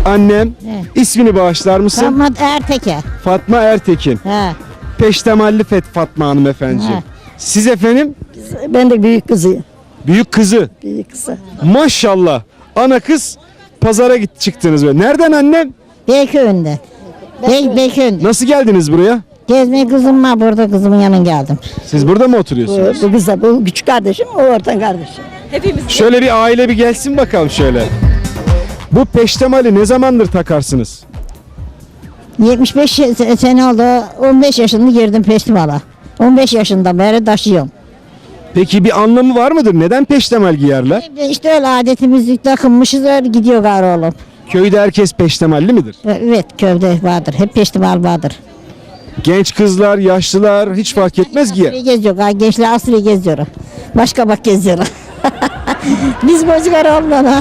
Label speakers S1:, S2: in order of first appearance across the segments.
S1: Annem,
S2: He.
S1: ismini bağışlar mısın?
S2: Fatma Erteke.
S1: Fatma Ertekin.
S2: He.
S1: Peştemalli Fatma hanımefendiciğim.
S2: He.
S1: Siz efendim?
S3: Ben de büyük kızıyım.
S1: Büyük kızı.
S3: Büyük kızı.
S1: Maşallah. Ana kız pazara çıktınız böyle. Nereden annem?
S2: Beyköy'ünde. Beyköy'ünde.
S1: Nasıl geldiniz buraya?
S2: Gezmeye kızım var burada, kızımın yanına geldim.
S1: Siz burada mı oturuyorsunuz?
S3: Bu kız da bu küçük kardeşim, o orta kardeşim.
S1: Şöyle bir aile bir gelsin bakalım şöyle. Bu peştemali ne zamandır takarsınız?
S2: 75 sene oldu. 15 yaşında girdim festivale. 15 yaşından beri taşıyorum.
S1: Peki bir anlamı var mıdır? Neden peştemal giyerler?
S2: İşte öyle adetimiz takınmışız, öyle gidiyor gari oğlum.
S1: Köyde herkes peştemalli midir?
S2: Evet, köyde vardır. Hep festival vardır.
S1: Genç kızlar, yaşlılar hiç fark etmez giyer.
S2: Asriye geziyor. Gençler asriye geziyor. Başka bak geziyorlar. Biz bozgar olmalı.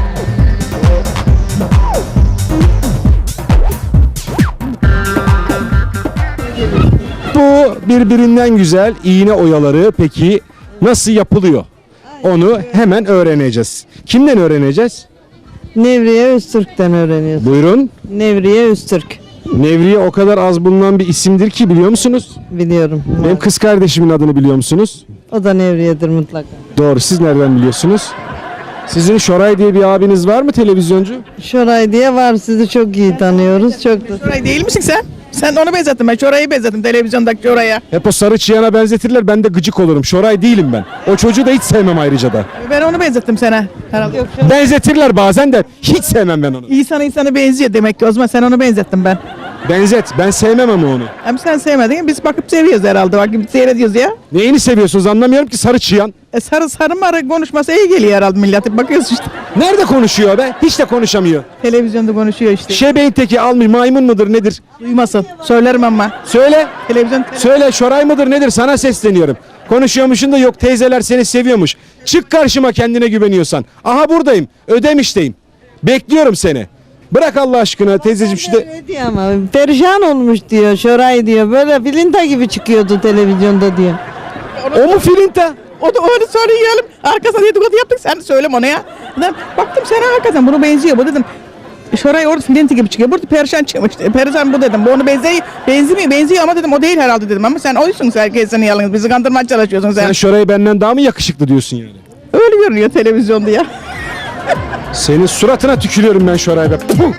S1: Bu birbirinden güzel iğne oyaları peki nasıl yapılıyor? Onu hemen öğreneceğiz. Kimden öğreneceğiz?
S3: Nevriye Öztürk'ten öğreniyoruz.
S1: Buyurun.
S3: Nevriye Öztürk.
S1: Nevriye o kadar az bulunan bir isimdir ki biliyor musunuz?
S3: Biliyorum.
S1: Benim kız kardeşimin adını biliyor musunuz?
S3: O da Nevriye'dir mutlaka.
S1: Doğru. Siz nereden biliyorsunuz? Sizin Şoray diye bir abiniz var mı televizyoncu?
S3: Şoray diye var, sizi çok iyi tanıyoruz. Çok da...
S4: Şoray değil misin sen? Sen onu benzettin, ben Şoray'ı benzettim televizyondaki Şoray'a.
S1: Hep o sarı çıyana benzetirler, ben de gıcık olurum. Şoray değilim ben. O çocuğu da hiç sevmem ayrıca da.
S4: Ben onu benzettim sana herhalde. Yok,
S1: Benzetirler bazen de hiç sevmem ben onu.
S4: İnsan insana benziyor demek ki, o zaman sen onu benzettin ben.
S1: Benzet, ben sevmem ama onu.
S4: Hem sen sevmedin, biz bakıp seviyoruz herhalde, bakıp seyrediyoruz ya.
S1: Neyini seviyorsunuz anlamıyorum ki sarı çıyan.
S4: Sarı marı konuşması iyi geliyor herhalde millete, bakıyoruz işte.
S1: Nerede konuşuyor be? Hiç de konuşamıyor.
S4: Televizyonda konuşuyor işte.
S1: Şebeğin teki almış, maymun mudur nedir?
S4: Duymasın, söylerim ama.
S1: Söyle.
S4: Televizyon
S1: Söyle, Şoray mıdır nedir? Sana sesleniyorum. Konuşuyormuşsun da yok, teyzeler seni seviyormuş. Çık karşıma kendine güveniyorsan. Aha buradayım, Ödemiş'teyim. Bekliyorum seni. Bırak Allah aşkına teyzeciğim şu de...
S3: Öyle diyor ama perişan olmuş diyor, Şoray diyor. Böyle bilinta gibi çıkıyordu televizyonda diyor.
S1: O mu filinta?
S4: O da onu söyleyelim. Arkasına dedikodu yaptık, sen de söyleme ona ya. Dedim, baktım sana hakikaten bunu benziyor bu dedim. Şoray orada filinti gibi çıkıyor. Burada perişan çıkmış. Perişan bu dedim. Bu onu benziyor ama dedim o değil herhalde dedim. Ama sen oysun, sen senin yalnız. Bizi kandırmaya çalışıyorsun sen.
S1: Sen Şoray'ı benden daha mı yakışıklı diyorsun yani?
S4: Öyle görünüyor televizyonda ya.
S1: Senin suratına tükürüyorum ben Şoray be. Puh!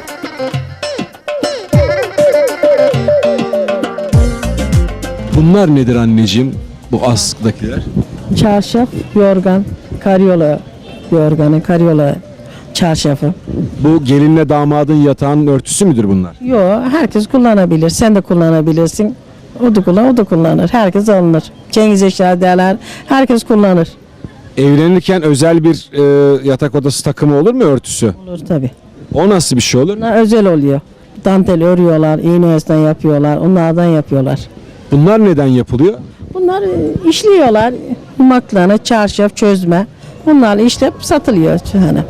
S1: Bunlar nedir anneciğim? Bu askıdakiler.
S3: Çarşaf, yorgan, karyola yorganı, karyola çarşafı.
S1: Bu gelinle damadın yatağının örtüsü müdür bunlar?
S3: Yo, herkes kullanabilir. Sen de kullanabilirsin. O da kullanır, o da kullanır. Herkes alınır. Cengiz eşya derler. Herkes kullanır.
S1: Evlenirken özel bir yatak odası takımı olur mu örtüsü?
S3: Olur tabii.
S1: O nasıl bir şey olur?
S3: Bunlar özel oluyor. Dantel örüyorlar, iğne oyasından yapıyorlar, onlardan yapıyorlar.
S1: Bunlar neden yapılıyor?
S3: Bunlar işliyorlar. Yumaklarını, çarşaf, çözme. Bunlarla işlep satılıyor. Yani.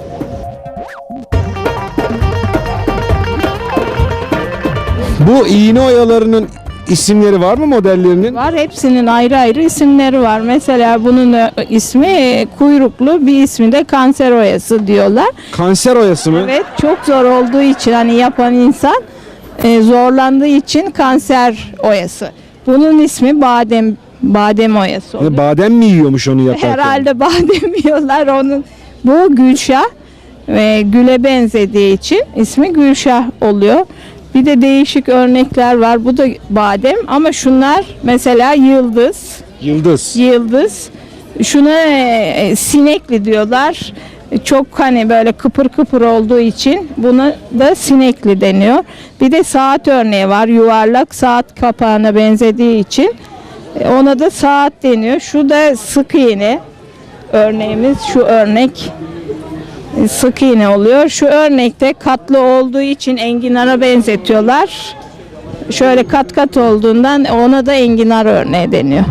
S1: Bu iğne oyalarının isimleri var mı modellerinin?
S5: Var, hepsinin ayrı ayrı isimleri var. Mesela bunun ismi kuyruklu, bir ismi de kanser oyası diyorlar.
S1: Kanser oyası mı?
S5: Evet, çok zor olduğu için hani yapan insan zorlandığı için kanser oyası. Bunun ismi badem oyası oluyor.
S1: Badem mi yiyormuş onu yaparken?
S5: Herhalde badem yiyorlar onun. Bu Gülşah ve güle benzediği için ismi Gülşah oluyor. Bir de değişik örnekler var. Bu da badem ama şunlar mesela yıldız. Yıldız. Şuna sinekli diyorlar. Çok hani böyle kıpır kıpır olduğu için buna da sinekli deniyor. Bir de saat örneği var. Yuvarlak saat kapağına benzediği için ona da saat deniyor. Şu da sık iğne örneğimiz. Şu örnek sık iğne oluyor. Şu örnekte katlı olduğu için enginara benzetiyorlar. Şöyle kat kat olduğundan ona da enginar örneği deniyor.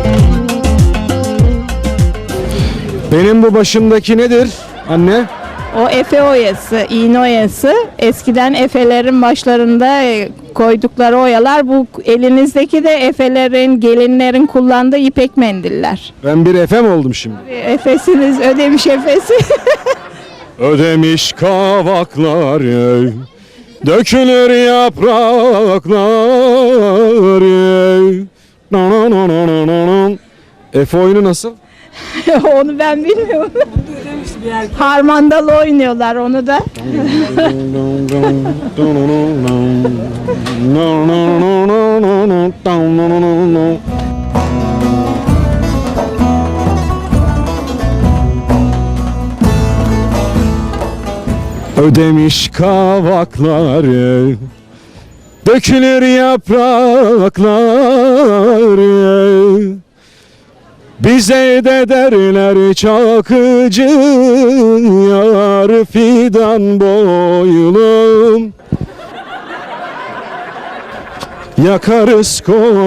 S1: Benim bu başımdaki nedir anne?
S5: O efe oyası, iğne oyası. Eskiden efelerin başlarında koydukları oyalar. Bu elinizdeki de efelerin, gelinlerin kullandığı ipek mendiller.
S1: Ben bir Efe mi oldum şimdi?
S5: Efesiniz, Ödemiş efesi.
S1: Ödemiş kavaklar, dökülür yapraklar. Efe oyunu nasıl?
S5: Onu ben bilmiyorum. Harmandalı oynuyorlar onu da.
S1: Ödemiş kavakları, dökülür yaprakları. Bize de derler Çakıcı, yar fidan boylum. Yakarız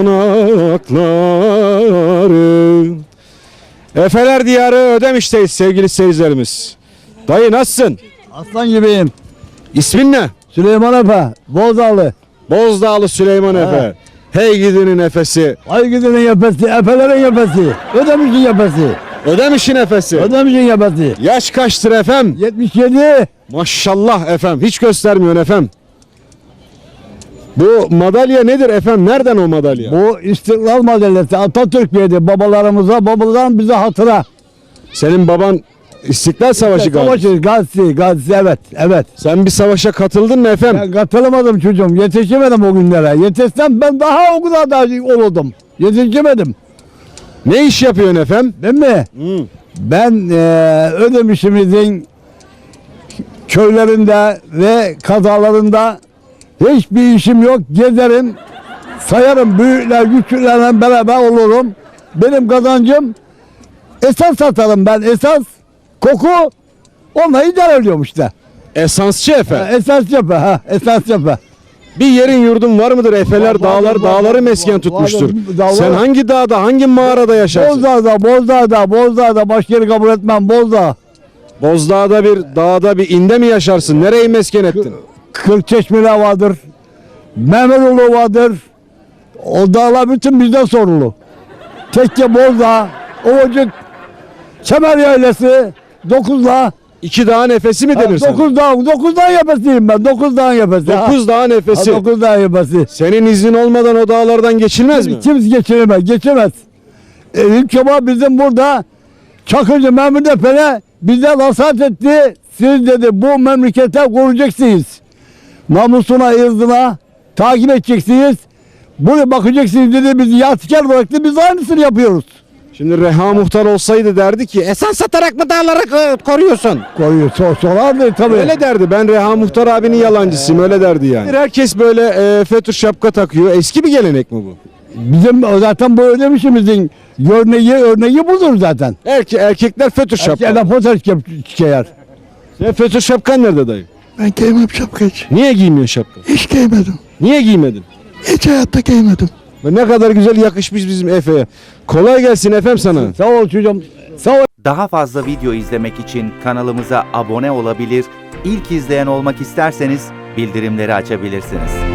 S1: konakları. Efeler diyarı Ödemiş'teyiz sevgili seyircilerimiz. Dayı nasılsın?
S6: Aslan gibiyim.
S1: İsmin ne?
S6: Süleyman Efe, Bozdağlı.
S1: Bozdağlı Süleyman Efe. Hey gidinin Efesi.
S6: Ay gidenin yapesi, Efelerin yapesi. Ödemiş'in yapesi.
S1: Ödemiş'in Efesi.
S6: Ödemiş'in yapesi.
S1: Yaş kaçtır efem?
S6: 77.
S1: Maşallah efem. Hiç göstermiyorsun efem. Bu madalya nedir efem? Nereden o madalya?
S6: Bu İstiklal Madalyası Atatürk verdi babalarımıza, babalardan bize hatıra.
S1: Senin baban İstiklal Savaşı galiba.
S6: Savaşı, gazisi, evet, evet.
S1: Sen bir savaşa katıldın mı efem?
S6: Ben katılamadım çocuğum, yetişemedim o günlere. Yetişsem ben daha o kadar da olurdum. Yetişemedim.
S1: Ne iş yapıyorsun efem?
S6: Değil mi? Ben Ödemiş'imizin köylerinde ve kazalarında hiçbir işim yok. Gezerim, sayarım, büyükler, küçüklerle beraber olurum. Benim kazancım esas satarım ben, esas koku, onunla idare ediyorum işte.
S1: Esansçı efem.
S6: Esas cephe, esas cephe.
S1: Bir yerin yurdun var mıdır? Efeler dağları mesken tutmuştur.
S6: dağlar-
S1: Sen hangi dağda, hangi mağarada yaşarsın?
S6: Bozdağ'da, başka yeri kabul etmem, Bozdağ.
S1: Bozdağ'da bir dağda bir inde mi yaşarsın? Nereyi mesken ettin?
S6: Kırkçeşmeler vardır, Mehmetoğlu vardır. O dağlar bütün bizden sorumlu. Tekke, Bozdağ, Ovacık, Kemer Yaylası, Dokuzla.
S1: İki dağın nefesi mi denir sana?
S6: Dokuz dağ yapasıyım ben, 9 dağ yapası.
S1: Dokuz dağın nefesi.
S6: 9 dağ yapası.
S1: Senin iznin olmadan o dağlardan geçilmez mi?
S6: Kimse geçemez. İlk defa bizim burada Çakıcı Mehmet Efe'ne bize vasat etti. Siz dedi bu memlekete koruyacaksınız. Namusuna, ırzına takip edeceksiniz. Buraya bakacaksınız dedi, bizi yahtikar bıraktı, biz aynısını yapıyoruz.
S1: Şimdi Reha Muhtar olsaydı derdi ki esans satarak mı dağları koruyorsun?
S6: Koruyor, sorardı tabii.
S1: Öyle derdi. Ben Reha Muhtar abinin yalancısıyım. Öyle derdi yani. Herkes böyle fötr şapka takıyor. Eski bir gelenek mi bu?
S6: Bizim zaten bu Ödemiş'imizin örneği budur zaten.
S1: Erkekler fötr şapka.
S6: Erkekler fotoğraf çıkar.
S1: Sen fötr şapkan nerede dayı?
S7: Ben giymem şapka hiç.
S1: Niye giymiyorsun şapka?
S7: Hiç giymedim.
S1: Niye giymedin?
S7: Hiç hayatta giymedim.
S1: Ve ne kadar güzel yakışmış bizim Efe'ye. Kolay gelsin Efem sana.
S6: Sağ ol çocuğum. Sağ ol.
S8: Daha fazla video izlemek için kanalımıza abone olabilir, ilk izleyen olmak isterseniz bildirimleri açabilirsiniz.